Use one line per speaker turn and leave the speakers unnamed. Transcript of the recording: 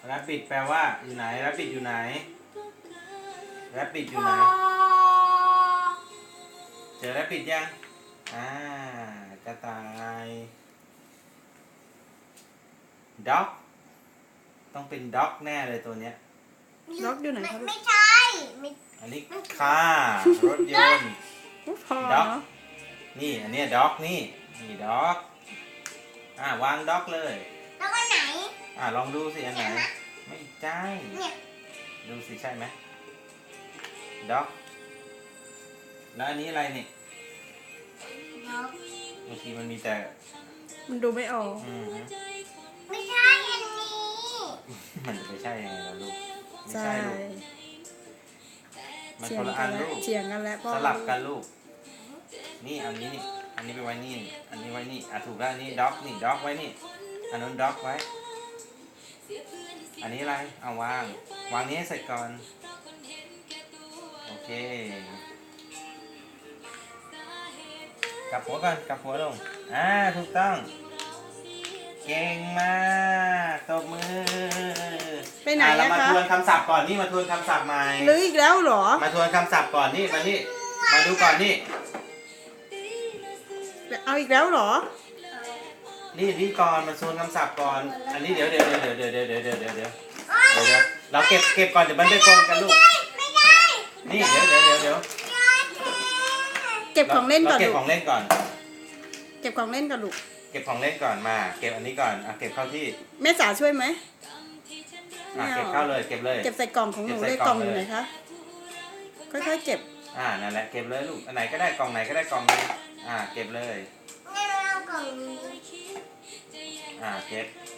rabbit แปลว่าอยู่ไหน rabbit อยู่ไหน rabbit อยู่ไหนเจอ rabbit ยังกระต่าย dog ต้องเป็น dog แน่เลยตัวเนี้ย
ด็อกอยู่ไหนครับ
ไม่ใช่
อันนี้ car รถยนต์
พอ
dog
เนาะ
นี่อันเนี้ย dog นี่ dog วาง dog เลย
แล้วก็ไหน
ลองดูสิอันไหน ไม่ใช่
เนี่ย
ดูสิใช่ไหม dog แล้วอันนี้อะไรนี่
ด็อก
บางทีมันมีแต่
มันดูไม่ออก
ไม่ใช่อันนี้
มันจะไม่ใช่ยังไงล่ะลูกไม่
ใช่
ใช่ลูกมัน
เถี
ค
ย
น
ง
ละ
กั
อั
น
น
แล้ว
ลูก
เถียงกันแล้วพ่อ
สลับกันลูกนี่อันนี้นี่อันนี้ไปไว้นี่อันนี้ไว้นี่ถูกแล้วอันนี้ด็อกนี่ด็อกไว้นี่อันนั้นด็อกไว้อันนี้อะไรเอาวางนี้ให้เสร็จก่อนโอเคกลับหัวก่อนกลับหัวลงถูกต้องเก่งมากตบมือ
ไปไหน
เรา
อะ
มา
คะ
ทวนคำศัพท์ก่อนนี่มาทวนคำศัพท์ใหม่
หรืออีกแล้วเหรอ
มาทวนคำศัพท์ก่อนนี่มานี่มาดูก่อนนี่
เอาอีกแล้วเหรอ
นี่ก่อนมาทวนคำศัพท์ก่อนอันนี้เดี๋ยวเราเก็บก่อนเดี๋ยวมันไปปนกันลูก
ไม่ได้
นี่เดี๋ยว
เก็บของเล่นก่อน
เก็บ
ลูก
ของเล่นก่อน
เก็บของเล่นก่อนลูก
เก็บของเล่นก่อนมาเก็บอันนี้ก่อนเก็บเข้าที่
แม่จ๋าช่วยไหม
เก็บเข้าเลยเก็บเลย
เก็บใส่กล่องของหนู
เก็บใส่
เลย
ก
ก
ล่
ล่
อ
อง งอยู่
เลย
ไหนคะ ค่อยๆเก็บ
นั่นแหละเก็บเลยลูกอันไหนก็ได้กล่องไหนก็ได้กล่องนึงเก็บเลย
งั้นเราเอากล่องนี้
เก็บ